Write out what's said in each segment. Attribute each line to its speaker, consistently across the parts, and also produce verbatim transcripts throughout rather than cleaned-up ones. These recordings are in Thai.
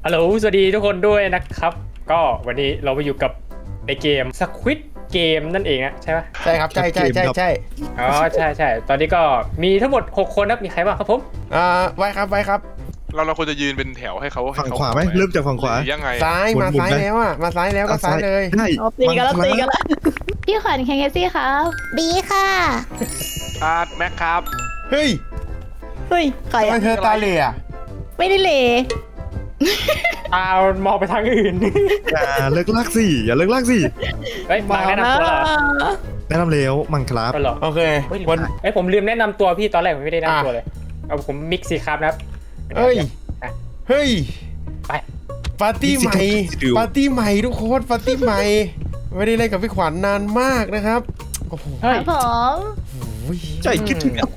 Speaker 1: ฮัลโหลสวัสดีทุกคนด้วยนะครับก็วันนี้เรามาอยู่กับในเกม Squid Game นั่นเองนะใช่ปะ
Speaker 2: ใช่ครับใช่ใช่ใช่ใช่
Speaker 1: อ๋อใช่ใช่ตอนนี้ก็มีทั้งหมดหกคนครับมีใครบ้างครับผม
Speaker 2: อ่าไว้ครับไว้ครับ
Speaker 3: เราเราควรจะยืนเป็นแถวให้เขา
Speaker 4: ฝั่งขวาไหมเริ่มจากฝั่งขวา
Speaker 3: หรือยังไง
Speaker 2: ซ้ายมา
Speaker 4: หมุนๆ
Speaker 2: ซ้าย
Speaker 4: นะ
Speaker 2: แล้วอ่ะมาซ้ายแล้วก็ซ้ายเลย
Speaker 4: ใช่
Speaker 5: เอาตีกันแล้วตีกันแล้วพี่ขวัญแคงเกซี่ครับบีค่ะ
Speaker 3: อาร์ตแม็กครับ
Speaker 2: เฮ้ย
Speaker 5: เฮ้ยใคร
Speaker 2: ทำไม
Speaker 5: อะ
Speaker 2: เธอตาเหล่อะ
Speaker 5: ไม่ได้เหล
Speaker 1: ตามองไปทางอื่น
Speaker 4: อย่าเลิกลากสิอย่าเลิกลากสิ
Speaker 1: เฮ้ยมาแนะนำตัวเหรอ
Speaker 4: แนะนำแล้วมังครับ
Speaker 1: ก็เหรอ
Speaker 2: โอเค
Speaker 1: เฮ้ย
Speaker 2: วัน
Speaker 1: เอ้ยผมลืมแนะนำตัวพี่ตอนแรกผมไม่ได้แนะ
Speaker 2: อ่ะ
Speaker 1: นำตัวเลยเอาผมมิกซี่ครับนะครับ
Speaker 2: เฮ้ย
Speaker 1: อ่ะ
Speaker 2: เฮ้ย
Speaker 1: ไป
Speaker 2: ปาร์ตี้ใหม่ปาร์ตี้ใหม่ทุกคนปาร์ตี้ใหม่ไม่ได้เล่นกับพี่ขวัญนานมากนะครับโอ้โห
Speaker 1: เฮ้ย
Speaker 5: ผม
Speaker 4: ใจคิดถึงอ่ะ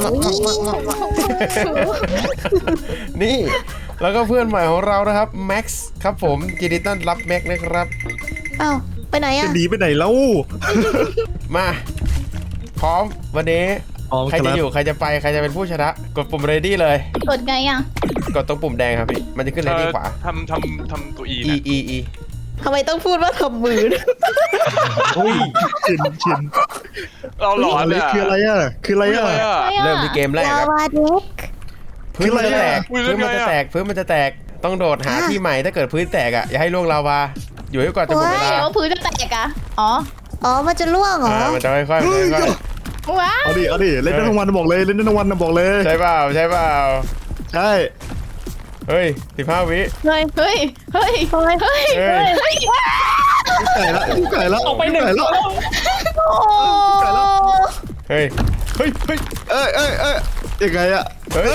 Speaker 2: นี่แล้วก็เพื่อนใหม่ของเรานะครับแม็กซ์ครับผมยินดีต้อนรับแม็กซ์นะครับ
Speaker 5: เอ้าไปไหน
Speaker 4: จะ
Speaker 5: อะ
Speaker 4: หนีไปไหนแล้ว
Speaker 2: มาพร้อมวันนี้
Speaker 4: อ๋อ
Speaker 2: ใครจะอยู่ใครจะไปใครจะเป็นผู้ชนะกดปุ่ม ready เลย
Speaker 5: กดไงอะ
Speaker 2: กดตรงปุ่มแดงครับพี่มันจะขึ้น ready ขวา
Speaker 3: ทำทำทำตัวอี
Speaker 2: e
Speaker 3: นะ
Speaker 2: e e
Speaker 5: ทำไมต้องพูดว่าทำมือ
Speaker 4: โอ้ยชินชิน
Speaker 3: เราหลอน
Speaker 4: อะไร
Speaker 3: อ่ะ
Speaker 4: คืออะไรอ่ะคืออะไร
Speaker 3: อะไร
Speaker 4: อ่ะ
Speaker 3: อ่ะ
Speaker 2: เริ่มที่เกมแรกครับ
Speaker 5: ลาวาเด็ก
Speaker 2: พื้นมันจะแตก
Speaker 3: อุ๊ย
Speaker 2: พื้นมันจะ
Speaker 3: เรื่องไงอะ
Speaker 2: แตกพื้นมันจะแตกต้องโดดหาที่ใหม่ถ้าเกิดพื้นแตกอ่ะอย่าให้ล่วงลาวาอยู่ให้ก่อนจะหมดเวลา
Speaker 5: เดี๋ยวพื้นจะแตกอะอ๋ออ๋อมันจะล่วงเหรอ
Speaker 2: อ่ามันจะค่อยๆมันจะค่อย
Speaker 5: ว้า
Speaker 4: เอาดิเอาดิเล่นได้ทั้งวันบอกเลยเล่นได้ทั้งวันบอกเลย
Speaker 2: ๆใช่เปล่าใช่เปล่า
Speaker 4: ใช่
Speaker 2: เฮ้ยสิบห้าวิ
Speaker 5: เฮ้ยเฮ้ยเฮ้ยเฮ้ยเฮ้ย
Speaker 2: เฮ้ย
Speaker 5: เฮ้ย
Speaker 4: ไก่ละไก่ละ
Speaker 1: ออกไปหนึ่ง
Speaker 4: ไก่
Speaker 1: ตั
Speaker 4: ละ
Speaker 1: ว
Speaker 5: โอ้
Speaker 2: เฮ้ยเฮ้ยเฮ้ย
Speaker 4: เอ้ยเอ้ยเอ้ยยังไงอ่ะ
Speaker 2: เฮ้ย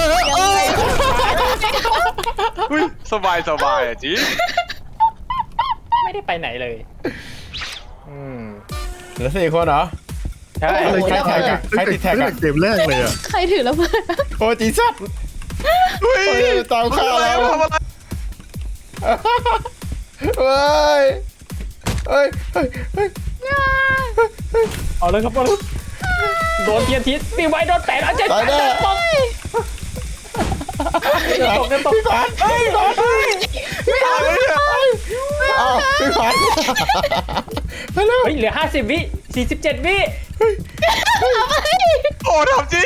Speaker 3: อุ้ยสบายสบายอ่ะจี
Speaker 1: ไม่ได้ไปไหนเลยอืม
Speaker 2: เหลือสี่คนเหรอ
Speaker 1: ใช่
Speaker 4: อะไร
Speaker 2: ใครแท็กอะใครติดแท็กอะ
Speaker 4: ตั้งแต่เกมแรกเลยอ่ะ
Speaker 5: ใครถือระเบิด
Speaker 2: โอ้จีซัด
Speaker 3: อุ้ย
Speaker 2: เฮ้ยตามข้าวแล้ว
Speaker 3: ทำอะไร
Speaker 2: เฮ้ยเฮ้ยเฮ้ยเฮ้ย
Speaker 1: เอาเลยครับเอาเลยโดนเทียนทิศปีไว้โดนแตะแล้วเจ็ด
Speaker 2: ตายแน่
Speaker 1: ตกตกตก
Speaker 2: พี่ขวัญเฮ้ยขวัญเฮ้ยพี่ขวัญอ้าวพี่ขวัญไปเร็ว
Speaker 1: เฮ้ยเหลือห้าสิบวิสี่สิบเจ็ดวิ
Speaker 3: โอ้ทำจริง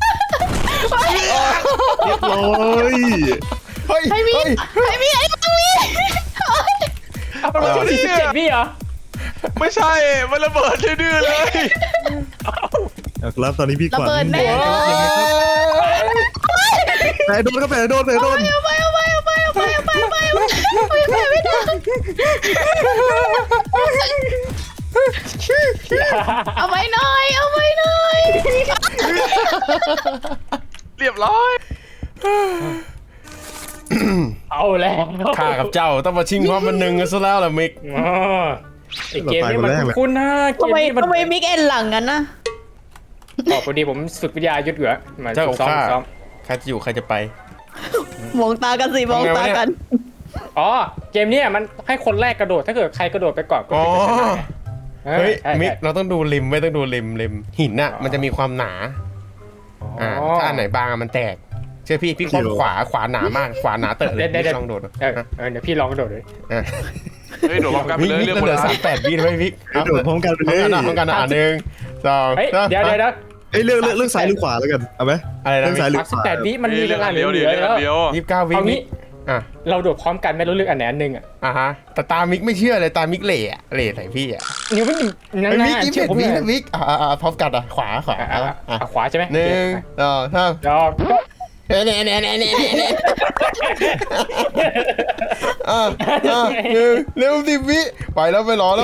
Speaker 4: เรียบร้อย
Speaker 2: เฮ้ย
Speaker 5: ไอ้มี
Speaker 2: เฮ้ย
Speaker 5: ไอ้มีไอ้มี
Speaker 1: เอาไปมาสี่สิบเจ็ดวิเหรอ
Speaker 3: ไม่ใช่มันระเบิดดื้อๆเลย
Speaker 4: ครับตอนนี้พี่ข
Speaker 5: ระ
Speaker 4: วัญ
Speaker 5: เบิดแน่
Speaker 4: แต่โดนครับแต่โดนแต่โดน
Speaker 5: เอาไปเอาไปเอาไปเอาไปเอาไปเอาไปเอาไปเอาไปไม่ได้เอาไปหน่อยเอาไปหน่อย
Speaker 3: เรียบร้อย
Speaker 1: เอาแล้ว
Speaker 2: ข้ากับเจ้าต้องมาชิงความบันหนึ่งกันซะแล้วล่ะมิก
Speaker 1: อ๋อไอเกมนี้มันคุ้นๆนะเก
Speaker 5: ทำ
Speaker 1: ม
Speaker 5: ไม
Speaker 1: นี้มัน
Speaker 5: ทำไมมิกเอ็นหลังกันนะ
Speaker 1: อ๋อพอดีผมฝึกวิทยายุทธอยู่อะมา
Speaker 2: เจ้า
Speaker 1: ฝึกซ้อม
Speaker 2: ข้า
Speaker 1: ฝึกซ้อม
Speaker 2: ใครจะอยู่ใครจะไป
Speaker 5: มองตากันสิมองตากัน
Speaker 1: อ๋อเกมเนี้ยมันให้คนแรกกระโดดถ้าเกิดใครกระโดดไปก่อนก็
Speaker 2: อ๋อ
Speaker 1: เป็นชนะไง
Speaker 2: เฮ้ย
Speaker 1: ใช่
Speaker 2: มิก
Speaker 1: ใช่
Speaker 2: เราต้องดูริมไม่ต้องดูริมริมหินน่ะมันจะมีความหนา อ่าถ้าอันไหนบางอะมันแตก เชื่อพี่พี่คว่ำขวาขวาหนามากขวาหนาเตอะเลย
Speaker 1: เดี๋ยวเดี๋ยว
Speaker 2: พี่ลองโดดดู
Speaker 1: เออเออเดี๋ยวพี่ลองกระโดดเลย
Speaker 2: อ่ะ
Speaker 3: เฮ้ยโดดพร้อมกันไป
Speaker 2: มิก
Speaker 3: เลย
Speaker 2: มิก
Speaker 3: เรื่อง
Speaker 2: เห
Speaker 3: หมด
Speaker 2: ลือ
Speaker 3: แล้ว
Speaker 2: สามแปดวิด้วยมิก
Speaker 4: โดดพร้อมกันไป
Speaker 2: พร้อ
Speaker 4: เล
Speaker 2: ม
Speaker 4: ย
Speaker 2: กันนะพร้อมกันนะอ่ะหนึ่งสอง
Speaker 1: เฮ้ย
Speaker 2: สาม
Speaker 1: เดี๋ยวเดี๋ยวเดี๋ยว
Speaker 4: เอ้ยเลือกเลือกเลือกซ้ายหรือขวาแล้วกันเอาไหม
Speaker 2: อะไรนะ
Speaker 4: เรื่องซ้ายหรือ
Speaker 1: สามสิบแปดวิมันมี
Speaker 3: เฮ้ย
Speaker 1: เว
Speaker 3: เรื่อง
Speaker 1: ลา
Speaker 3: อัน
Speaker 1: เหลื
Speaker 3: เดียว
Speaker 1: อ
Speaker 3: เดี๋ยว
Speaker 1: ๆ
Speaker 3: เรื่อง
Speaker 1: แล้ว
Speaker 3: อันเดียว
Speaker 2: ยี่สิบเก้าวิ
Speaker 1: เอา
Speaker 2: มิ
Speaker 1: งี้
Speaker 2: กอ่ะ
Speaker 1: เราโดดพร้อมกันไม่รู้เลือกอันไหนอันหนึ่งอ่ะ
Speaker 2: อ่ะฮะแต่ตามิกไม่เชื่อเลยตามิกเหล่อะเหล่ใส่พี่อ่ะ
Speaker 1: นิ้วไม่นั่น
Speaker 2: ไอ้มิก
Speaker 1: นะ
Speaker 2: ยี่
Speaker 1: เชื่
Speaker 2: สิ
Speaker 1: อบ ผม
Speaker 2: วิ
Speaker 1: เลย
Speaker 2: นะมิกอ่ะอ่ะอ่ะพร้อมกันอ่ะขวาขวา
Speaker 1: อ่ะ
Speaker 2: อ่ะ
Speaker 1: อ่ะ
Speaker 2: อ่ะ
Speaker 1: อ่ะขวาใช่ไหม
Speaker 2: หนึ่งสองสาม
Speaker 1: ยอม
Speaker 2: เน่เน่เน่เน่เน่เน่อ่ะอ่ะหนึ่งเร็วสิบวิไปแล้วไปรอแล้ว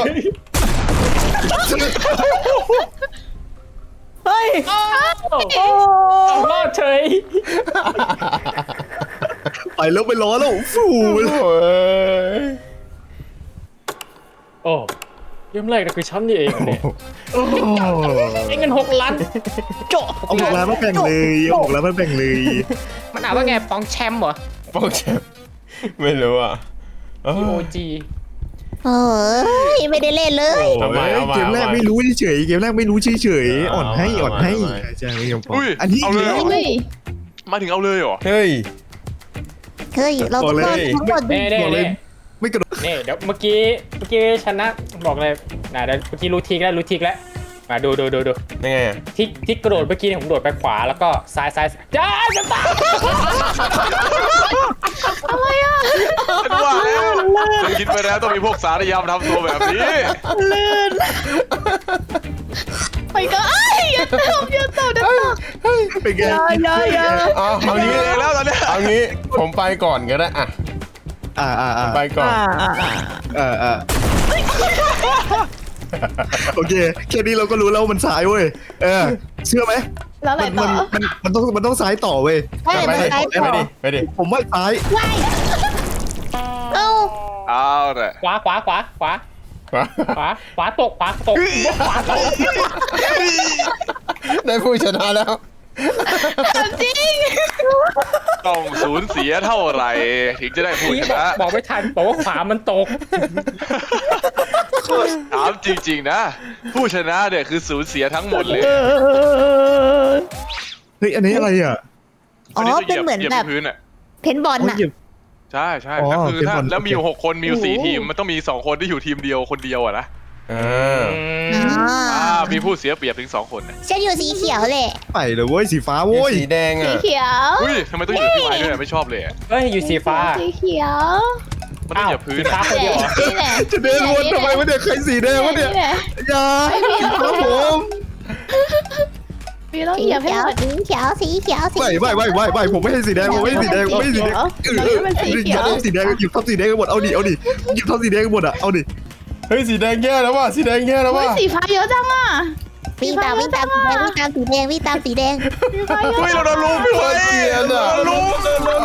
Speaker 5: เฮ้ย
Speaker 1: โอ้รอดเฉย
Speaker 4: ไปแล้วไปล้อแล้วฟู
Speaker 2: โอ้ย
Speaker 1: โอ้เริ่มแรกนะคือฉันนี่เองเนี่ยไอ้เงินหกล้านโจ
Speaker 4: เอาหกล้านมาแบ่งเลยเอาหกล้านมาแบ่งเลย
Speaker 1: มันอ่านว่าไงปองแชมป์เหรอ
Speaker 2: โปรแชมป์ไม่รู้อ่ะเอ
Speaker 1: พีโอ
Speaker 2: อ
Speaker 1: จี
Speaker 5: เฮ้ยไม่ได้เล่นเลย
Speaker 2: เอาใหม่เอาใหม่
Speaker 4: เกมแรก
Speaker 2: เอาใหม่
Speaker 4: ไม่รู้เฉยๆเกมแรกไม่รู้เฉยๆอ่อนให้
Speaker 2: เอาใหม่
Speaker 4: อ่อนให้
Speaker 2: เอาใหม่
Speaker 4: ใช่ไม่ยอมพอ
Speaker 3: อุ้ย
Speaker 4: อันนี้
Speaker 3: เอาเลยเหรอ
Speaker 5: เฮ้ย
Speaker 3: มาถึงเอาเลยเหรอ
Speaker 2: เฮ้ย
Speaker 6: เฮ้ยเราต้องรอดทั้งหมดดิ
Speaker 1: เน่เน่
Speaker 4: บอกเลย
Speaker 1: เน่
Speaker 4: ไม่กระโดด
Speaker 1: เน่เดี๋ยวเมื่อกี้เมื่อกี้ชนะบอกเลยนะเดี๋ยวเมื่อกี้รู้ทิกแล้วรู้ทิกแล้วมาดูดูดูดู
Speaker 2: ยังไงอะ
Speaker 1: ทิกทิกกระโดดเมื่อกี้เนี่ยผมโดดไปขวาแล้วก็ซ้ายซ้ายจ้าจะตาย
Speaker 5: อะไรอ่ะ
Speaker 3: ฉันว่าแล้วฉันคิดไปแล้วต้องมีพวกสารยามทำตัวแบบนี้
Speaker 5: ลื่นไปก็ไอ้ยอย่าตบอย่าตบอย่าตบ
Speaker 4: เป็นไง
Speaker 5: อย่าอย่าอย่า
Speaker 2: เอาเอางี้
Speaker 3: เองแล้วตอนเนี้ย
Speaker 2: เอางี้ผมไปก่อนก็ได้อะ
Speaker 4: อ่าอ่าอ่า
Speaker 2: ไปก่อน
Speaker 4: อ่าอ่าโอเคแค่นี้เราก็รู้แล้วว่ามันซ้ายเว้ยเออเชื่อไหม
Speaker 5: แล้วอะไร
Speaker 4: มัน
Speaker 5: ต่อ
Speaker 4: มันมันมันต้องมันต้องซ้ายต่อเว้ย
Speaker 6: ใช่มัน
Speaker 2: ไป
Speaker 6: ซ้าย
Speaker 2: ดิ
Speaker 6: ต่
Speaker 2: ไป
Speaker 6: อ
Speaker 2: ดิไปดิ
Speaker 4: ผมว่าซ้าย
Speaker 6: ว้ายเอ้า
Speaker 3: เอาแต่
Speaker 1: ขวาขวาขวาขวาขวาขวาตกขวาตกขวาตก
Speaker 2: ได้ผู้ชนะแล้ว
Speaker 5: จริง
Speaker 3: ต้องสูญเสียเท่าไหร่ถึงจะได้ผู้
Speaker 1: นี่
Speaker 3: ช
Speaker 1: บอก
Speaker 3: นะ
Speaker 1: บอกไม่ทันบอกว่าขวามันตก
Speaker 3: ถามจริงๆนะ ผู้ชนะเนี่ยคือสูญเสียทั้งหมดเลย
Speaker 4: เฮ้ยอันนี้อะไรอ่ะ
Speaker 6: อ๋อเป็นเหมือน
Speaker 3: ยีย
Speaker 6: แบบ
Speaker 3: ที่พื้นอ่ะ
Speaker 6: เพนบอล
Speaker 4: โอ้ย
Speaker 6: น่ะ
Speaker 4: เหยียบ
Speaker 3: ใช่ใช่
Speaker 4: อ๋อ
Speaker 3: ก็คือ
Speaker 4: เป็น
Speaker 3: ถ้า
Speaker 4: บอล
Speaker 3: แล้วมีอยู่หกคนมีอยู่สี่
Speaker 6: โอ้โห
Speaker 3: ทีมมันต้องมีสองคนที่อยู่ทีมเดียวคนเดียวอะนะ
Speaker 2: อ่า
Speaker 6: อ่า
Speaker 3: อ่ามีผู้เสียเปรียบถึงสองคนน่ะ
Speaker 6: ฉันอยู่สีเขียวแหละ
Speaker 4: ไปเลยเว้ยสีฟ้าโว้ย
Speaker 2: สีแดง
Speaker 5: สี
Speaker 2: อ่ะ
Speaker 5: เขียว
Speaker 3: อุ้ยทำไมต้องอยู่ที่ไม้ด้วยอะไม่ชอบเลยอะ
Speaker 1: เฮ้ยอยู่สีฟ้า
Speaker 5: สีเขียว
Speaker 3: มันต้องเหยียบพื้น
Speaker 1: สีฟ้า
Speaker 3: อะ
Speaker 1: คนเดียวเหรอ
Speaker 5: นี่แหละ
Speaker 4: จะเดินวนทำไมวะเนี่ยใครสีแดงวะเนี่ย
Speaker 5: นี่แหละ
Speaker 4: อย่าครับผม
Speaker 5: พี่ต้อง
Speaker 6: สี
Speaker 5: เหยียบให้
Speaker 6: เขียว
Speaker 5: หมด
Speaker 6: สีเขียวสีเขียวสี
Speaker 4: ไม่ไม่ไม่ไม่ไม่ผมไม่ให้สีแดงผมไม่ให้สีแดงผมไม่ให้สีแดง
Speaker 5: เราจะเป็นสีเขียว
Speaker 4: อาสีแดงหยิบทับสีแดงกันหมดเอาดิเอาดิหยิบทับสีแดงกันหมดอ่ะเอาดิ
Speaker 2: เฮ้ยสีแดงแย่แล้วว่ะสีแดงแย่แล้ว
Speaker 5: เฮ้ย
Speaker 2: ว่ะ
Speaker 5: สีฟ้าเยอะจังอ่ะ
Speaker 6: วิ่งตามวิ่งตามสีแดงวิ่งตามสีแดงวิ่งตามสีแดง
Speaker 5: สีฟ้าเยอะ
Speaker 3: เฮ้ยเราโดนลุมพี่เว้ย
Speaker 2: เกลียด
Speaker 3: เรา
Speaker 2: อ่ะ
Speaker 3: โดนลุม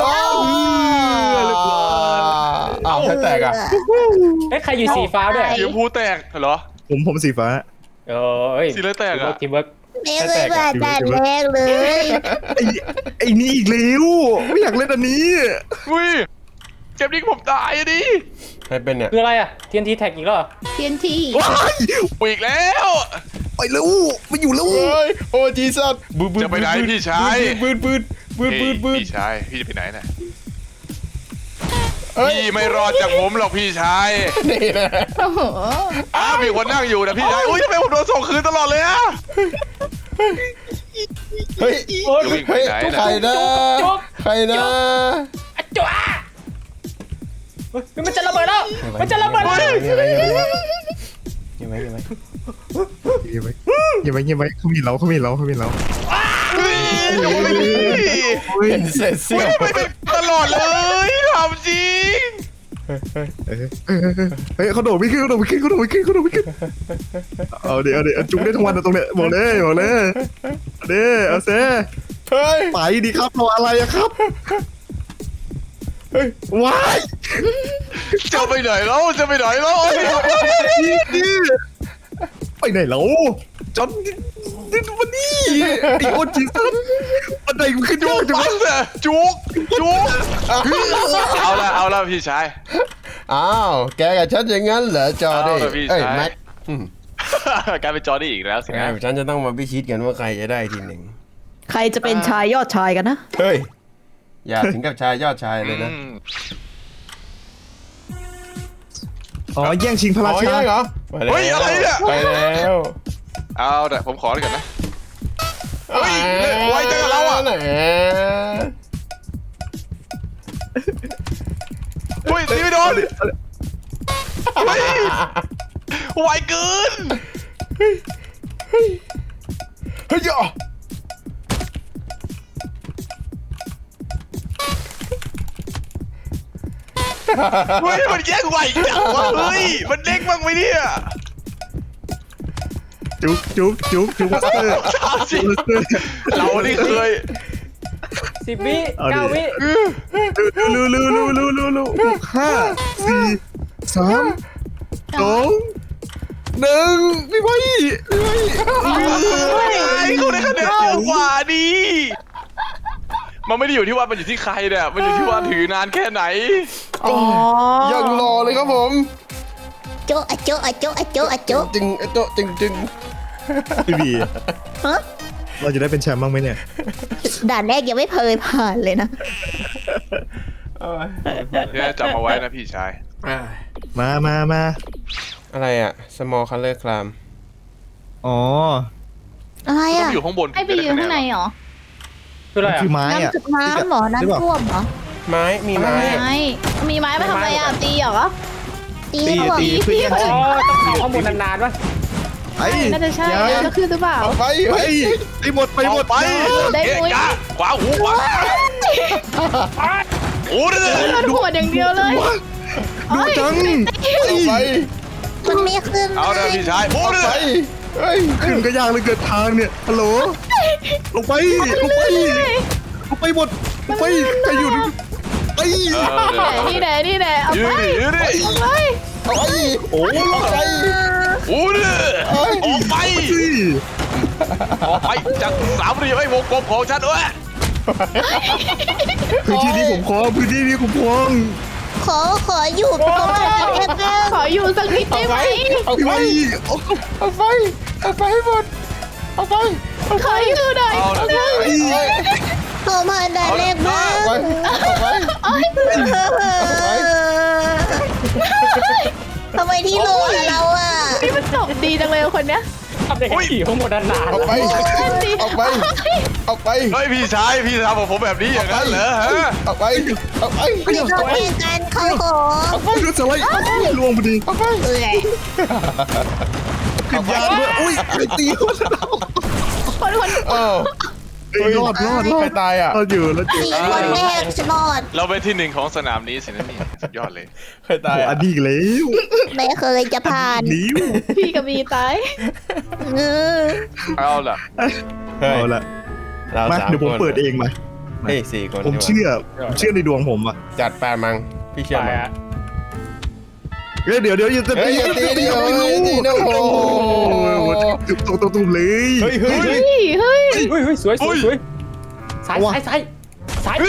Speaker 2: อ้าวใครแตกอ่ะ
Speaker 1: เฮ้ยใครอยู่สีฟ้าด้วย
Speaker 3: สีชมพูแตกเหรอ
Speaker 4: ผมผมสีฟ้า
Speaker 1: เออเฮ้ย
Speaker 3: สีอะไรแตกอะ
Speaker 1: ทีมเวิร์ก
Speaker 6: ไม่เคยว่าด่านแรกเลย
Speaker 4: ไอ้ไอ้นี่อีกแล้วไม่อยากเล่นอันนี้
Speaker 3: อุ้ยเกมนี้ผมตายอะดิ
Speaker 2: ใครเป็นเนี่ย
Speaker 1: คืออะไรอ่ะ ทีนทีแท็กอีกแล้วเหรอ
Speaker 5: เทียนที
Speaker 4: ว้าย
Speaker 3: ปีกแล้ว
Speaker 4: ไปแล้วไม่อยู่แล้ว
Speaker 2: เฮ้ยโอ้จีซัสบืดบืด
Speaker 3: จะไปไหนพี่ชาย
Speaker 2: บืดบืดบืดบืดบืด
Speaker 3: พี่ชายพี่จะไปไหนน่ะ
Speaker 2: เฮ้ย
Speaker 3: พี่ไม่รอดจากผมหรอกพี่ชาย
Speaker 2: นี่นะ
Speaker 5: โอ้โห
Speaker 3: อ้าวมีคนนั่งอยู่นะพี่ชายอุ้ยทำไมผมโดนส่งคืนตลอดเลยอะ
Speaker 2: เฮ้ย
Speaker 1: โอ้ย
Speaker 3: วิ่งไป
Speaker 2: เฮ้ย
Speaker 3: ไหน
Speaker 2: ใคร
Speaker 3: น่ะ
Speaker 2: นะ
Speaker 1: จุ๊บ
Speaker 2: ใครนะ
Speaker 1: อะจ๋าเฮ้ยมันจะระเบิดแล้ว มันจะระเบิดแล้ว
Speaker 2: ยังไงยังไง
Speaker 4: เงียบไว้เงียบไว้เงียบไว้เขามีเราเขามีเราเขามีเรา
Speaker 3: เฮ้ยทำไมไม่พี่
Speaker 2: เป็นเศษเสี้ยว
Speaker 3: ทำไมเป็นตลอดเลยทำจริง
Speaker 4: เออเออเออเฮ้ยเขาโดดไม่ขึ้นเขาโดดไม่ขึ้นเขาโดดไม่ขึ้นเขาโดดไม่ขึ้นเอาเดี๋ยวเอาเดี๋ยวจุกได้ทั้งวันนะตรงเนี้ยบอกเลยบอกเลยเอาเด้เอาเซ่
Speaker 2: เฮ้ย
Speaker 4: ไปดีครับรออะไรอะครับเฮ้ยว้าย
Speaker 3: จะไปไหนแล้วจะไปไหนแล้ว
Speaker 4: นี่นี่ไปไหนแล้วจอนนี่วันนี้ไอโอจิสันบันไดมันขึ้นย
Speaker 3: จุ
Speaker 4: อก ดจัง
Speaker 3: ปั
Speaker 4: วะ
Speaker 3: สอะจุกจุกเอาละเอาละพี่ชาย
Speaker 2: อ้าวแกกับฉันอย่างนั้นเหรอจอร์ดี้
Speaker 3: เอาล่ะพี่
Speaker 2: เอ้ย
Speaker 3: ชาย
Speaker 2: แม็กอืม
Speaker 3: กลายเป็นจอร์ดี้อีกแล้วสิ
Speaker 2: ไง
Speaker 3: นะ
Speaker 2: ฉันจะต้องมาพิชิตกันว่าใครจะได้ทีหนึ่ง
Speaker 6: ใครจะเป็นชายยอดชายกันนะ
Speaker 2: เฮ้ยอย่าถึงกับชายยอดชายเลยนะ
Speaker 3: อืม
Speaker 4: อ๋อแย่งชิงพระ
Speaker 2: อ๋
Speaker 4: รา
Speaker 2: อ
Speaker 4: ชา
Speaker 2: ยังเหรอไปแล้ว
Speaker 3: เฮ้ยอะไรเนี่ย
Speaker 2: ไปแล้ว
Speaker 3: เอาแต่ผมขอเลยก่อนนะ เฮ้ยไวจังกับเราอะ
Speaker 2: แหม
Speaker 3: อุ้ยตีไม่โดนเฮ้ยไวเกิน
Speaker 2: เฮ้ยอ่ะ
Speaker 3: เฮ้ยมันแย่งไวจังวะเฮ้ยมันเด้งบ้างไหมเนี่ย
Speaker 4: จุ๊บจุ๊บจุ๊บจุ๊บมาสเตอร์
Speaker 3: ถามจริงเรานี่เคย
Speaker 1: สิบวิ
Speaker 4: เอาดิ
Speaker 1: เก้าวิ
Speaker 4: ลูลูลูลูลูลูลูห้าสี่สามสองหนึ่งพี่ไว้พี่ไว้
Speaker 3: ไอ้คนได้คะแนนเยอะกว่าดีมันไม่ได้อยู่ที่ว่ามันอยู่ที่ใครเนี่ยมันอยู่ที่ว่าถือนานแค่ไหน
Speaker 6: อ๋อ
Speaker 2: ยังรอเลยครับผม
Speaker 6: โจะอะโจะอะโจะอะโจะอะโจะ
Speaker 2: จึงโตะจึงจึง
Speaker 4: พี่บี
Speaker 6: ฮะ
Speaker 4: เราจะได้เป็นแชมป์บ้างไหมเนี่ย
Speaker 6: ด่านแรกยังไม่เคยผ่านเลยนะ
Speaker 3: เนี่ยจำเอาไว้นะพี่ชาย
Speaker 2: อ่า
Speaker 4: มามามา
Speaker 2: อะไรอ่ะ small color clam
Speaker 4: อ๋อ
Speaker 6: อะไร
Speaker 3: ต้อง
Speaker 6: อ่ะ
Speaker 3: อยู่ข้างบน
Speaker 5: ให้ไปยืนข้างในเหรอ
Speaker 1: คืออะไร
Speaker 4: คือ
Speaker 1: อ่ะ
Speaker 4: ไม้อ่ะ
Speaker 6: น้ำน้ำเหรอ
Speaker 4: หรือเปล่า
Speaker 6: น้ำท่วมเหรอ
Speaker 2: ไม้มีไม้
Speaker 5: ไม้มีไม้ไปทำอะไรอ่ะตีเหรอ
Speaker 6: ตี
Speaker 4: ตี
Speaker 6: เขาบอก
Speaker 4: ตีเพื่อแย่ง
Speaker 1: อ๋
Speaker 4: ชิ
Speaker 1: อง ต้องเอาข้อมูลนานๆวะ
Speaker 4: ไอ้
Speaker 5: น่าจะใช่
Speaker 4: อย่า
Speaker 5: แล้วคือหรือเปล่า
Speaker 2: เอาไป
Speaker 4: ไป
Speaker 2: เฮ้ย
Speaker 4: ไปหมดไปหมด
Speaker 3: ไป
Speaker 5: ได้
Speaker 3: เกะ
Speaker 5: มุ้ย
Speaker 3: กะขวาหูขวาโอ้ย
Speaker 5: โดนหัวอย่างเดียวเลย
Speaker 4: ดูจัง
Speaker 2: เอาไป
Speaker 6: มันไม่ขึ้น
Speaker 3: เอาเด้อพี่ชายโอ้
Speaker 2: เอา
Speaker 3: ย
Speaker 2: ไปเฮ้ย
Speaker 4: ขึ้นก็ยากเลยเกิดทางเนี่ยฮัลโหลลงไปลงไปลงไปหมดลงไปใครอยู่นี่ไอ้
Speaker 5: นี่แหละนี่แหละเอา
Speaker 3: ยื
Speaker 5: ไป
Speaker 3: ดดิยืดดิ
Speaker 5: เอาไป
Speaker 2: เอาไปโอ้ยเอาไป
Speaker 3: โอ้ยออกไป
Speaker 4: สิ
Speaker 3: ออกไปจากสามเหลี่ยมไอ้วงกลมของฉันเว้ย
Speaker 4: พื้นที่นี้ผมครองพื้นที่นี้ผมครอง
Speaker 6: ขอขออยู่ตรงนั้นนิดนึง
Speaker 5: ขออยู่สักนิดได้ไหม
Speaker 2: เอา
Speaker 4: พี่
Speaker 2: ไป
Speaker 4: ไว้
Speaker 2: เอาไปเอาไปให้หมดเอาไป
Speaker 5: ขออยู่หน่อย
Speaker 3: เอาเด้อ
Speaker 4: ไอ้
Speaker 6: เข้ามาได้เลขบ้าง
Speaker 2: เอาไปเอาไปเอาไป
Speaker 6: ทำไมที่โลอะเราอ่ะ
Speaker 5: นี่มันจบดีจังเลยคนเนี้ย
Speaker 1: ทำได้แค่ขี่ข้อมูลนานๆ
Speaker 2: เอาไปเอาไปเอาไป
Speaker 3: เฮ้ยพี่ชายพี่ทำกับผมแบบนี้อย่างนั้นเหรอฮะ
Speaker 2: เอาไปเอาไป
Speaker 6: ไม่ต้องเล่นกันเขาขอ
Speaker 4: รถสไลด์ล่วงพอดี
Speaker 2: เอาไป
Speaker 6: เอ้ย
Speaker 4: ขึ้นยางด้วยอุ้ยไอ้ตีคน
Speaker 5: คนคน
Speaker 2: เออ
Speaker 4: เอ้ยรอดรอดรอ
Speaker 2: ใคร
Speaker 4: ด
Speaker 2: ตายอ่ะ
Speaker 4: รอดอยู่รอดอยู่
Speaker 6: สี่คนแรกฉันรอด
Speaker 3: เราเป็นที่หนึ่งของสนามนี้สินะนี่สุดยอดเลย
Speaker 2: ใครตาย
Speaker 4: โอ้
Speaker 2: อ่ะ
Speaker 4: อดีตแล้ว
Speaker 6: ไม่เคยจะผ่าน
Speaker 4: นิ้ว
Speaker 5: พี่กับมีตาย
Speaker 6: เออ
Speaker 3: เอาล่ะ
Speaker 4: เอาละ
Speaker 2: เรา
Speaker 4: มา
Speaker 2: สาม
Speaker 4: เดี๋ยวผม
Speaker 2: คน
Speaker 4: เปิดเองมา
Speaker 2: เฮ้ยสี่คน
Speaker 4: ผมเชื่อผมเชื่อในดวงผมอ่ะ
Speaker 2: จัดแปดมังพี่เชื่อ
Speaker 1: ไป
Speaker 2: มั้ย
Speaker 1: อ่ะ
Speaker 4: เฮ้ยเดี๋ยวเดี๋ยวอย่าจะ
Speaker 2: เฮ้ยอย่าตีดิโอ้ยอย่าตีนะโอ้โห
Speaker 4: ตุ่มตุ่มตุ่มตุ่มเลย
Speaker 2: เฮ้ยเฮ้ย
Speaker 5: เฮ้ยเฮ้ย
Speaker 1: เฮ้ยเฮ้ยสวยสวยสวยซ้ายซ้ายซ้ายซ้าย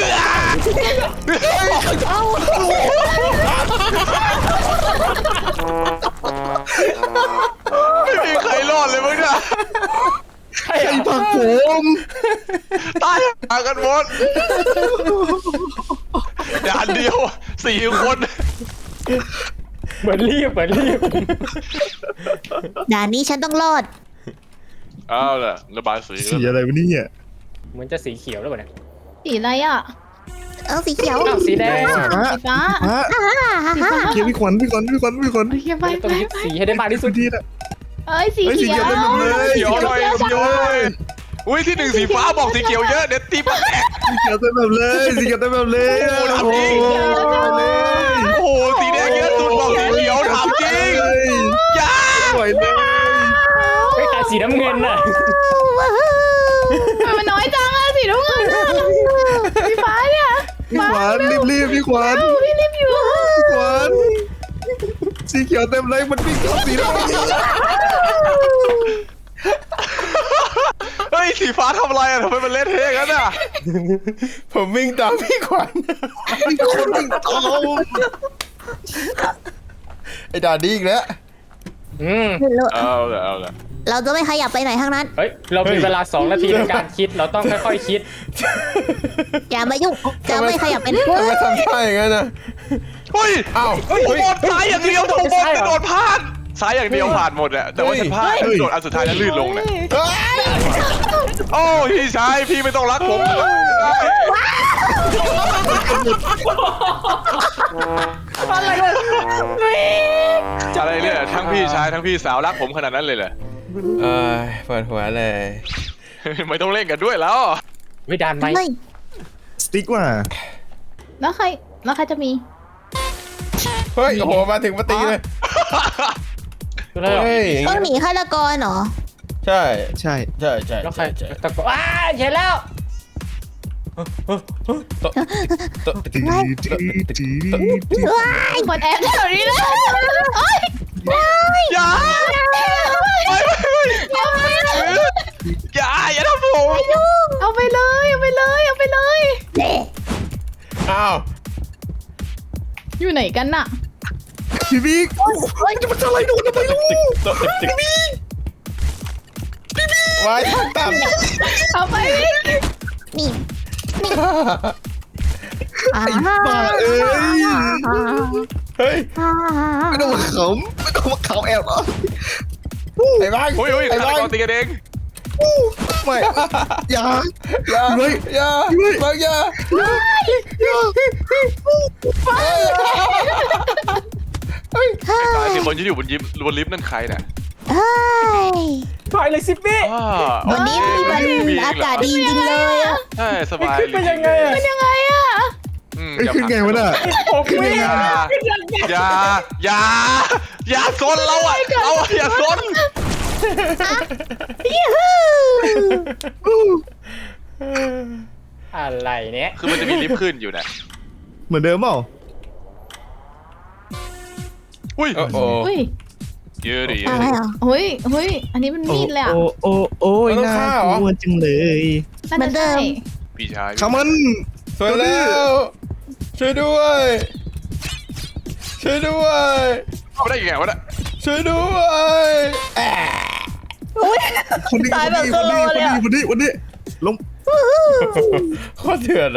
Speaker 3: ไม่มีใครรอดเลยมึงเนี่ย
Speaker 1: ใช่
Speaker 4: ไอ้
Speaker 1: อ่ะ
Speaker 4: ผักผม
Speaker 3: ตายหากันหมดด่านเดียวสี่คน
Speaker 1: เหมือนรีบเหมือนรีบ
Speaker 6: ด่านนี้ฉันต้องรอด
Speaker 3: เอาล่ะระบายสี
Speaker 4: สีอะไรวะเนี่ย
Speaker 1: เหมือนจะสีเขียวแล้วป่ะเนี่ย
Speaker 5: สีอะไรอ่ะ
Speaker 6: เอาสีเขียว
Speaker 1: อ้าวสีแดง
Speaker 4: ฟ้า
Speaker 5: สีฟ้า
Speaker 4: ฟ้า
Speaker 5: สีฟ้า
Speaker 4: เกียร์พี่ขวัญพี่ขวัญพี่ขวัญพี่ขวัญ
Speaker 5: เฮียไป
Speaker 1: ต้อง
Speaker 5: ไป
Speaker 1: ยึดสีให้ได้มากที่สุ
Speaker 4: พื้
Speaker 1: ด
Speaker 4: นที่นะ
Speaker 5: เอ้ยสี
Speaker 4: เฮ้ยสี
Speaker 5: เขี
Speaker 4: เขี
Speaker 5: ย
Speaker 4: ยว
Speaker 5: ว
Speaker 4: เต็มไปเลย
Speaker 3: เขียวหน่อยเขียวหน่อยอุ้ยที่หนึ่งสีฟ้าบอกสีเขียวเยอะเด็ดตีปากแตก
Speaker 4: สีเขียวเต็มแบบเลยสีเขียวเต็มแบบเลย
Speaker 3: โอ้
Speaker 4: โอ้
Speaker 3: โห
Speaker 4: โหเลย
Speaker 3: โอ้โหสีแดงเยอะสุดบอกสีเขียวถามจริงอย่า
Speaker 4: สวยเลย
Speaker 1: เฮ้ยแต่สีน้ำเงินน่ะ
Speaker 5: ทำไมมันน้อยจังอะสีน้ำเงินอะสีฟ้าเนี่ย
Speaker 4: พี่ขวัญรีบรีบพี่ขวัญ
Speaker 5: พี่รีบอยู่
Speaker 4: พี่ขวัญสีเขียวเต็มเลยมันวิ่งเข้าสีน้ำเงิน
Speaker 3: เฮ้ยสีฟ้าทำอะไรอ่ะทำไมมันเละเทะกันอ่ะ
Speaker 2: ผมวิ่งตามพี่ขวัญ
Speaker 4: มีคนวิ่งตาม
Speaker 2: ไอ้ด่าดีอีกแล้ว
Speaker 1: อืม
Speaker 3: เอาละเอาละ
Speaker 6: เราจะไม่ขยับไปไหนทั้งนั้น
Speaker 1: เฮ้ยเรามีเวลาสองนาทีในการคิดเราต้องค่อยๆคิด
Speaker 6: อย่ามายุ่ง จะไม่ขยับไปไหน
Speaker 2: ทำไมทำท่าอย่างนั้นนะ
Speaker 3: เฮ้ย
Speaker 2: อ้าว
Speaker 3: ผมบอลซ้ายอย่างเดียวผมบอลกระโดดพลาดซ้ายอย่างเดียวผ่านหมดอะแต่ว่าฉันพลาดกระโดดอันสุดท้ายแล้วลื่นลงเนี่ย
Speaker 2: เฮ้ย
Speaker 3: โอ้พี่ชายพี่ไม่ต้องรักผมอะไรเนี่ยทั้งพี่ชายทั้งพี่สาวรักผมขนาดนั้นเลยเหรอ
Speaker 2: เออปวดหัวเลย
Speaker 3: ไม่ต้องเล่นกันด้วยแล้ว
Speaker 1: ไม่ดานไหม
Speaker 6: ไม่
Speaker 4: สติ๊กว่ะ
Speaker 5: แล้วใครแล้วใครจะมี
Speaker 2: เฮ้ยโอ้โหมาถึงมาตีเลย
Speaker 1: คืออะไรหรอ
Speaker 2: เฮ้ย
Speaker 6: ต้องหนีฆาตกรเหรอ
Speaker 2: ใช่
Speaker 4: ใช่
Speaker 2: ใช่ใช่
Speaker 1: แล้วใคร
Speaker 2: ใช่
Speaker 1: ตะโกนอ้าเห็นแล้ว
Speaker 2: โต๊ะโต๊ะ
Speaker 4: ตีตีตีตี
Speaker 5: คนแอบแถวนี้เลยโอ๊ย
Speaker 3: อย่าไม่ไม่ไม่อย่าอย่าทำผม
Speaker 5: เอาไปเลยเอาไปเลยเอาไปเลย
Speaker 6: เด็
Speaker 2: อ้าว
Speaker 5: อยู่ไหนกันน่ะ
Speaker 4: พี่บิ๊กโอ้ยจะมาทำอะไรโดนทำไมลูก
Speaker 2: โต๊ะติ๊กติ๊กไว้ทางต่ำ
Speaker 5: เอาไป
Speaker 6: นี่นี่
Speaker 4: ไอ้บ้าเอ้ย
Speaker 2: เฮ้ย
Speaker 4: ไม่ต้องมาขำไม่ต้องมาขำแอบเหรอ
Speaker 2: ไอ้บ้าง
Speaker 3: โอ้ยโอ้ย
Speaker 2: ไอ้
Speaker 3: ฆาต
Speaker 2: บ้าง
Speaker 3: กรตีกันเอง
Speaker 4: ไม่อย่า
Speaker 2: อย่า
Speaker 4: เฮ้ย
Speaker 2: อย่า
Speaker 4: เฮ้ย
Speaker 2: บางอย่า
Speaker 4: อย่า
Speaker 3: ตายสิคนที่อยู่บนยิมบนลิฟต์นั่นใครเนี่ย
Speaker 6: เฮ้ย
Speaker 1: ถอยเลยสิพี่
Speaker 3: อ้า
Speaker 6: วันนี้มีวันอากาศดีจริงเลยอะ
Speaker 3: ใช่สบาย
Speaker 1: ขึ้นไปยังไงอะ
Speaker 5: ยังไงอะ
Speaker 3: อืม
Speaker 4: ไอ้ย
Speaker 3: อย่า
Speaker 4: ขึ้น
Speaker 3: ผลัก
Speaker 4: ไงวะน่ะ
Speaker 1: ผมไม่
Speaker 3: อย่าอย่าอย่าอย่าซนเราอ่ะเราอะอย่าซน
Speaker 1: อะไรเนี่ย
Speaker 3: คือมันจะมีลิฟต์ขึ้นอยู่นะ
Speaker 4: เหมือนเดิมเปล่า
Speaker 3: อุ้ย
Speaker 2: โอ้โห
Speaker 5: อุ้ย
Speaker 3: เยอะดิเย
Speaker 6: อะ
Speaker 3: อะ
Speaker 6: ไร
Speaker 3: ดิ
Speaker 6: เหรอ
Speaker 5: เฮ้ยเฮ้ยอันนี้มันมีดเลยอะ
Speaker 4: โอ้โอ้โอ้ย
Speaker 2: มันต้อง
Speaker 4: น่า
Speaker 2: ฆ่าเหรอ
Speaker 4: กลัวจังเลย
Speaker 5: น่าจะใช่
Speaker 3: พี่ชาย
Speaker 4: ขามัน
Speaker 2: สวยแล้วช่วยด้วยช่วยด้วย
Speaker 3: เข้าได้ยังไงวะเนี่ย
Speaker 2: ช่วยด้วยแอะ
Speaker 4: คนนี้คนนี้คนนี้คนนี้คนนี้คนนี้ลง
Speaker 2: โคตรเถื่อนอะ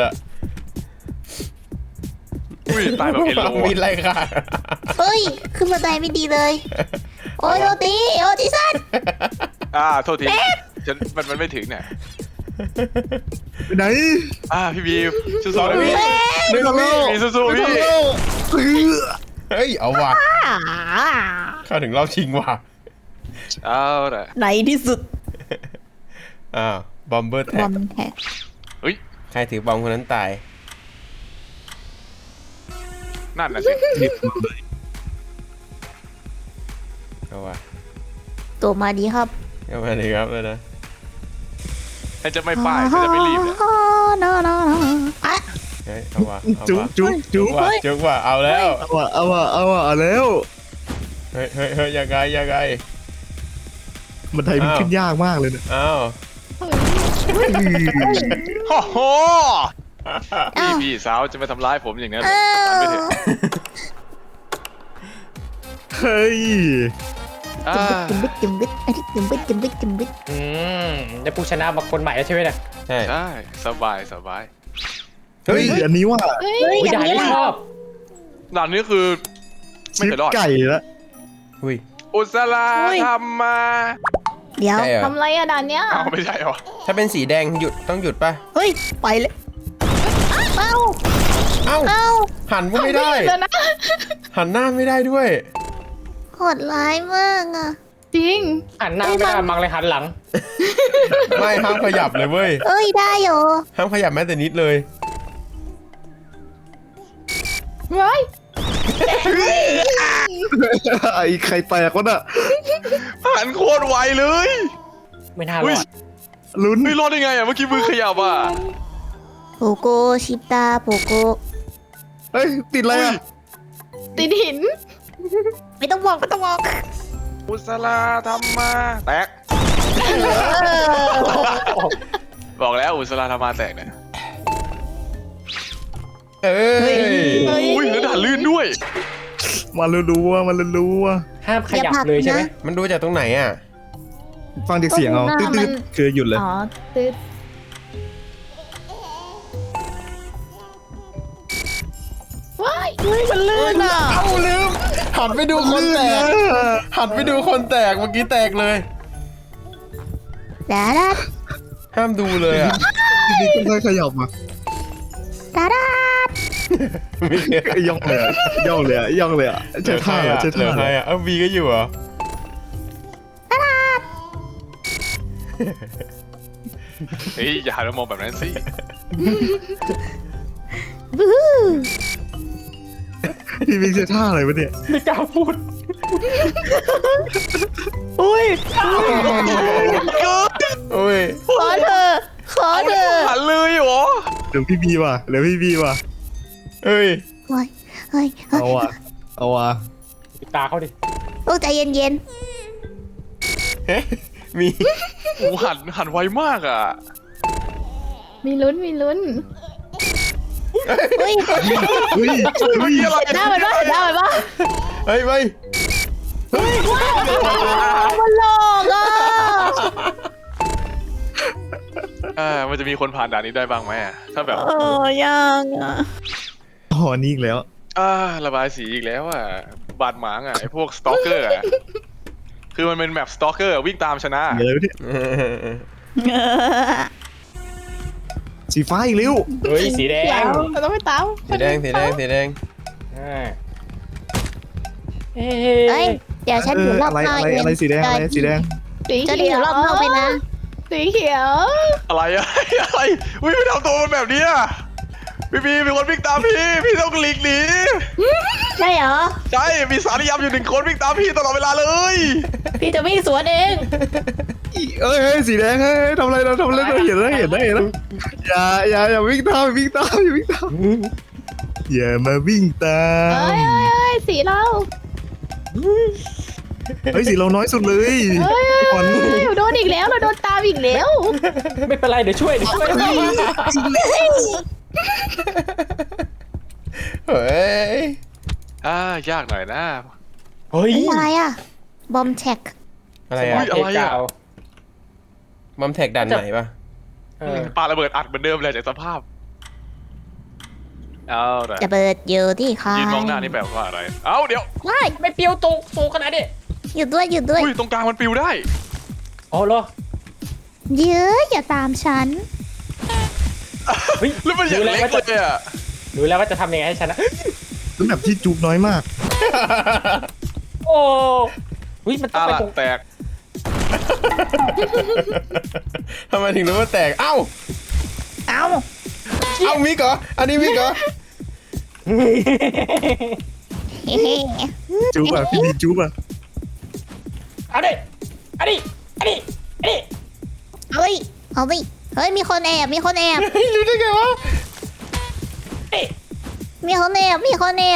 Speaker 3: อุ้ยตายแบบเอ็นโล
Speaker 2: มีไรค่ะ
Speaker 6: เฮ้ยขึ้นบันไดไม่ดีเลย โอ้ยโอตีโอติสัน
Speaker 3: อ่าโทษทีฉันมันมันไม่ถึงเนี่ย
Speaker 4: ไปไหน
Speaker 3: อ่าพี่บีสู้ๆนะพี่
Speaker 2: หนึ่งวิ
Speaker 3: พี่สู้ๆพี่
Speaker 2: เฮ้ยเอาว่ะเข้าถึงรอบชิงว่ะ
Speaker 3: เอาละ
Speaker 6: ไหนที่สุด
Speaker 2: อ้าวบอมเบอร์แท็
Speaker 6: บอก มแท็ก
Speaker 3: เฮ้ย
Speaker 2: ใครถือบอมคนนั้นตาย
Speaker 3: นั่นน่ะสิ
Speaker 2: เอาว่ะ
Speaker 6: ตัวมาดีครับ
Speaker 2: เอามาเลยครับเลยนะ
Speaker 3: ฉันจะไม่ป้ายฉันจะไม่รีบเนี่ย
Speaker 6: นอนอนอ่ะ
Speaker 2: เฮ้ยเอาว่ะเอา
Speaker 4: จุ๊บ
Speaker 2: ว่ะ
Speaker 4: จุ๊บจุ๊บ
Speaker 2: ว่ะจุ๊บว่ะเอาแล้ว
Speaker 4: เอาว่ะเอาว่ะเอาว่ะเอาแล้ว
Speaker 2: เฮ้ยเฮ้ยเฮ้ยยังไงยังไง
Speaker 4: บันไดมันขึ้นยากมากเลยเนี่ย
Speaker 2: อ้าว
Speaker 3: โอ้โห
Speaker 6: อ้า
Speaker 3: พี่
Speaker 6: ว
Speaker 3: พี่สาวจะมาทำร้ายผมอย่างนั้น
Speaker 6: อ้า
Speaker 3: เหรอตามไม่เถ
Speaker 6: ว
Speaker 3: อะ
Speaker 4: เฮ้ย
Speaker 3: อ่า
Speaker 6: จุ่มบิดจุ่มบิดไอ้ที่จุ่มบิดจุ่มบิดจุ่มบิด
Speaker 1: อืมได้ผู้ชนะมาคนใหม่แล้วใช่ไหมเนี่ย
Speaker 2: ใช่
Speaker 3: ใช่สบายสบาย
Speaker 4: เฮ้ยอันนี้ว่า
Speaker 5: เฮ้ย
Speaker 1: ผู้ชายที่ชอบ
Speaker 3: ด่านนี้คือ ไม่
Speaker 4: ชิป
Speaker 3: เคยรอด
Speaker 4: ไก่แล้ว
Speaker 2: อุ้ย
Speaker 3: อุสลาทำมา
Speaker 6: เดี๋ยว
Speaker 2: ใช่เหรอ
Speaker 5: ทำไรอะด่านเนี้ย
Speaker 3: เอาไม่ใช่เหรอ
Speaker 2: ถ้าเป็นสีแดงหยุดต้องหยุดป่ะ
Speaker 6: เฮ้ยไปเลยเอ้า
Speaker 2: เอ้า
Speaker 6: เอ้า
Speaker 2: หันก็ไม่ได้
Speaker 5: เดี๋ยวนะ
Speaker 2: หันหน้าไม่ได้ด้วย
Speaker 6: โหดร้ายมากอ่ะ
Speaker 5: จริง
Speaker 1: หันหน้าไม่ได้มังเลยหันหลัง
Speaker 2: ไม่ห้ามขยับเลยเว้ย
Speaker 6: เอ้ยได้เหรอ
Speaker 2: ห้ามขยับแม้แต่นิดเลย
Speaker 5: ไว้
Speaker 4: ไอ้ไข่แตกวะน่ะ
Speaker 3: หันโคตรไวเลย
Speaker 1: ไม่น่าร
Speaker 3: เฮ้
Speaker 1: อย ด
Speaker 4: ลุ้น
Speaker 3: ไม่รอดได้ไงอ่ะเมื่อกี้มือขยับอ่ะ
Speaker 6: โปโกชิปตาโปโก
Speaker 4: เฮ้ยติดอะไรอ่ะ
Speaker 5: ติดหิน
Speaker 6: ไม่ต้องบอกไม่ต้องบอก
Speaker 3: อุสลาทำมาแตก บอกแล้วอุสลาทำมาแตกเนี่ย
Speaker 2: เอ้ย
Speaker 3: อุ้ยแล้วด่านลื่นด้วย
Speaker 4: มารู้ๆว่ามันรู้ๆว่า
Speaker 1: ห้ามขยับเลยใช่ไหม
Speaker 2: มันดูจากตรงไหนอ่ะ
Speaker 4: ฟังจากเสียงเอาตึ๊ดๆคือหยุดเลย
Speaker 5: อ๋อติดว้ายเฮ้ยมันลื่นอ่ะ
Speaker 2: เอ้าลืม หันไปดูคนแตก หันไปดูคนแตกเมื่อกี้แตกเลย
Speaker 6: ดาดา
Speaker 2: ห้ามดูเลยอ่ะ
Speaker 4: จริงๆต้องค่อยขยับมา
Speaker 6: ดาดา
Speaker 2: ไม่เหลือ
Speaker 4: ย่องเลยอะย่องเลยอะย่องเลยอะใช่ท่าเหรอใช่
Speaker 2: เหลื
Speaker 4: ท่า
Speaker 2: อ
Speaker 4: เห
Speaker 2: ใค
Speaker 4: ร
Speaker 2: ร
Speaker 4: อ
Speaker 2: อ่ะเอ้าบีก็อยู่เหรอ
Speaker 3: เฮ้ยอย่าหันมามองแบบนั้นสิ
Speaker 6: บูฮู
Speaker 4: พี่บิ๊กใช่ท่าอะไรวะเนี่ย
Speaker 1: ไม่กล้าพูด
Speaker 5: อุ้ย
Speaker 2: โอ้ย
Speaker 5: ขอเธอขอเธอ
Speaker 3: หันเลยเหรอ
Speaker 4: เดี๋ยวพี่บีว่ะเดี๋ยวพี่บีว่ะ
Speaker 2: เอ้ย
Speaker 6: เฮ้ยเฮ้ยเฮ้ย
Speaker 4: เอาว่ะเอาว่ะ
Speaker 1: ปิดตาเขาดิ
Speaker 6: โอ้ใจเย็นเย็น
Speaker 2: เฮ้ยมี
Speaker 3: โอ้หันหันไวมากอ่ะ
Speaker 5: มีลุ้นมีลุ้น
Speaker 6: ๆเฮ้ย
Speaker 4: เฮ้ยเฮ้ย
Speaker 3: อะไร
Speaker 5: หน้ามันปะหน้ามันปะ
Speaker 2: เฮ้ยไป
Speaker 5: มันหลอกอ่ะ
Speaker 3: อ่ามันจะมีคนผ่านด่านนี้ได้บ้างไหมอะถ้าแบบ
Speaker 5: เออยังอ่ะ
Speaker 4: อ๋อนี่อีกแล้ว
Speaker 3: อ่าระบายสีอีกแล้วอ่ะบาดหมางอ่ะไอพวกสตอกเกอร์อ่ะคือมันเป็นแมปสตอกเกอร์วิ่งตามชนะ
Speaker 4: เดี๋ยวเลยสีฟ้าอีกเร็ว
Speaker 1: เฮ้ยสีแด
Speaker 5: เดี๋ย
Speaker 1: ง
Speaker 5: วเราต้องไปตาม
Speaker 2: สีแดงสีแดงสีแดง
Speaker 1: อ่าเฮ้
Speaker 6: เอ้ย
Speaker 1: ย
Speaker 6: เดี๋ยวฉัน
Speaker 4: เอ
Speaker 6: อยู่
Speaker 4: อ
Speaker 6: รอบ
Speaker 4: อะไร
Speaker 6: นอก
Speaker 4: อะไร
Speaker 6: เอง
Speaker 4: อะไรสีแดงอะไรสีแดง
Speaker 5: สี
Speaker 6: จะ
Speaker 5: เขี
Speaker 6: ได้อยู่
Speaker 5: ยว
Speaker 6: รอบนอกไปนะ
Speaker 5: สีเขียว
Speaker 3: อะไรอะ อะไรวิ่งไปทำตัวมันแบบเนี้ยพี่พีมีคนวิ่งตามพี่พี่ต้องหลีกหนี
Speaker 6: ใช่เหรอ
Speaker 3: ใช่มีสารยำอยู่หนึ่งคนวิ่งตามพี่ตลอดเวลาเลย
Speaker 5: พี่จะวิ่งสวนเอง
Speaker 4: เอ้ยเฮ้ยสีแดงเฮ้ยทำอะไรเราทำอะไรเราเห็นแล้วเห็นได้เห็นแล้วอย่าอย่าอย่าวิ่งตามอย่าวิ่งตามอย่าวิ่งตามอย่ามาวิ่งตา
Speaker 5: เอ้
Speaker 4: ม
Speaker 5: ยเอ้ยเอ้ยสีเรา
Speaker 4: เฮ้ยสีเราน้อยสุดเลย
Speaker 5: เอ้ย
Speaker 4: ก่อน
Speaker 5: เอ้ยโดนอีกแล้วเราโดนตามอีกแล้ว
Speaker 1: ไม่เป็นไรเดี๋ยวช่วยเดี๋ยวช่วย
Speaker 2: เฮ้ย
Speaker 3: อ่ายากหน่อยนะ
Speaker 1: เฮ้ย
Speaker 6: เป็นอะไรอ่ะ บอมแช็ก
Speaker 2: อะไร
Speaker 3: อุ๊
Speaker 2: อะ
Speaker 3: ยอะไรอะ
Speaker 1: เา
Speaker 2: มัมแท็กดันไหนปะ
Speaker 1: เออ
Speaker 3: ปาระเบิดอัดเหมือนเดิมเลยจากสภาพเอาละ
Speaker 6: จะเบิดอยู่ที่ใคร
Speaker 3: ยืนมองหน้านี่แปลว่าอะไร เอ้าเดี๋ยว
Speaker 5: ว้าย
Speaker 1: ไม่เปรี้ยวตรงตรงขนาดนี้
Speaker 6: หยุดด้วยหยุดด้วย
Speaker 3: อุ้ยตรงกลางมันปิวได้
Speaker 1: อ๋อเหรอ
Speaker 6: เยอะอย่าตามฉัน
Speaker 1: เฮ้ย
Speaker 3: แล้วมันอย่างเล็กเลยอ่ะ
Speaker 1: รู้แล้วว่าจะทำยังไงให้ชนะ
Speaker 4: เป็นแบบที่จุกน้อยมาก
Speaker 1: โอ้เฮ้ยมันต้อง
Speaker 3: อ่ะ
Speaker 1: ไป
Speaker 3: ละ
Speaker 1: ตรง
Speaker 3: แตก
Speaker 2: ทำไมถึงรู้ว่าแตกเอ้า
Speaker 6: เอ้า
Speaker 2: เอ้ามิกเหรออันนี้มิกเหรอ
Speaker 6: เฮ้
Speaker 4: จุกอ่ะพี่ดีจุกอ่ะ
Speaker 1: เอาดิเอาดิเอาดิเอาดิ
Speaker 6: เฮ้ยเอาไปเฮ้ยมีคนแอบมีคนแอบ
Speaker 2: เฮ้ยรู้ได้ไงวะ
Speaker 1: เอ้ย
Speaker 6: มีคนแอบมีคนแอบ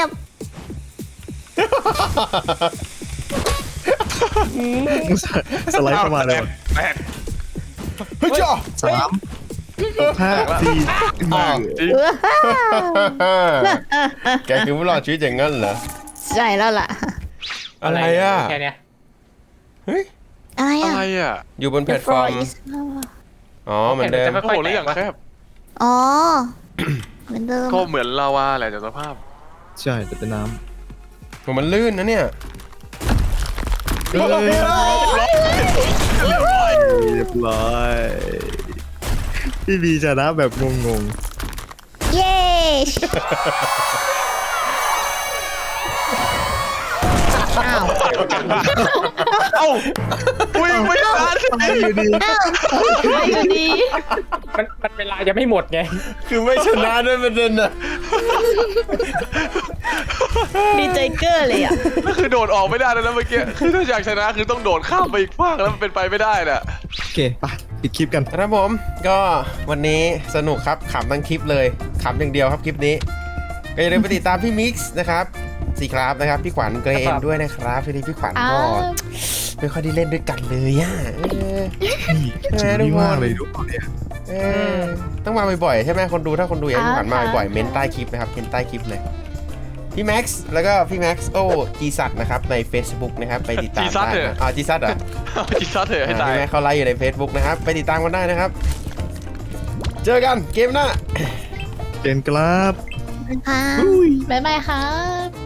Speaker 4: สไลด์เข้ามาเลยว่ะ
Speaker 3: แตก
Speaker 2: เฮ้ยจ้า
Speaker 4: สามห้าสี่ขึ้นมา
Speaker 3: จริง
Speaker 6: เออ
Speaker 2: แกคือผู้รอดชีวิตอย่างนั้นเหรอ
Speaker 6: ใช่แล้วล่ะ
Speaker 2: อะไรอ่ะ
Speaker 1: แค่เนี้ย
Speaker 2: เฮ้ย
Speaker 6: อะไร
Speaker 3: อะ
Speaker 6: อ่ะ
Speaker 3: ไรอ่ะ
Speaker 2: อยู่บนแพลตฟอร์ม อ๋อเหมือนเดิม
Speaker 1: ไม่
Speaker 3: โอ้
Speaker 1: ค่อย
Speaker 3: โหแล้ว
Speaker 1: แต
Speaker 3: อย่าง
Speaker 1: กวะ
Speaker 3: แคบ
Speaker 6: อ๋อเหมือนเดิม
Speaker 3: ก็เหมือนลาวาแหละจากสภาพ
Speaker 4: ใช่แต่เป็นน้
Speaker 2: ผมมันลื่นนะเนี่ย
Speaker 4: ำเฮ้ยเรียบร้อยพี่บีชนะแบบงง
Speaker 6: เย้ อ้าว
Speaker 3: เอ้าวิ่งไม่ทัน
Speaker 4: ๆไม่อยู่ดี
Speaker 6: อ้าว
Speaker 5: ไปอยู่ดี
Speaker 1: มันมันเวลายังไม่หมดไง
Speaker 2: คือไม่ชนะด้วยประเด็นอะ
Speaker 5: ดีใจเกอร์เลยอ่ะ
Speaker 3: ก็คือโดดออกไม่ได้แล้วนะเมื่อกี้ คือถ้าอยากชนะคือต้องโดดข้ามไปอีกฝั่งแล้วมันเป็นไปไม่ได้น่ะ
Speaker 4: โอเคไปปิดคลิปกัน
Speaker 2: ครับผมก็วันนี้สนุกครับขำทั้งคลิปเลยขำอย่างเดียวครับคลิปนี้ ก็อย่าลืมไปติดตามพี่มิกซ์นะครับสีครับนะครับพี่ขวัญเกร
Speaker 1: ครั
Speaker 2: น
Speaker 1: บ
Speaker 2: ด้วยนะครับทีนี้พี่ขวัญ
Speaker 5: อ้า
Speaker 2: ก็
Speaker 5: ว
Speaker 2: ไม่ค่อยได้เล่นด้วยกันเลยอ่ะเออ
Speaker 4: นี่จุกนี่มากเลยทุกคนเนี่ย
Speaker 2: เออต้องมาบ่อยๆใช่ไหมคนดูถ้าคนดูอยากให้พี่ขวัญมาบ่อยๆเม้นใต้คลิปนะครับเม้นใต้คลิปเลยพี่แม็กซ์แล้วก็พี่แม็กซ์โอ้จีซัดนะครับใน Facebook นะครับไปติดตามได้นะอ๋อจีซัดเหรอ
Speaker 3: จิตซัดเถอะให้ตาย
Speaker 2: พี่แม็กซ์เขาไลฟ์อยู่ใน Facebook นะครับไปติดตามกันได้นะครับ เจอกันเกมหน้า
Speaker 4: เจนครับ
Speaker 6: ค่ะ
Speaker 5: บ๊ายบายครับ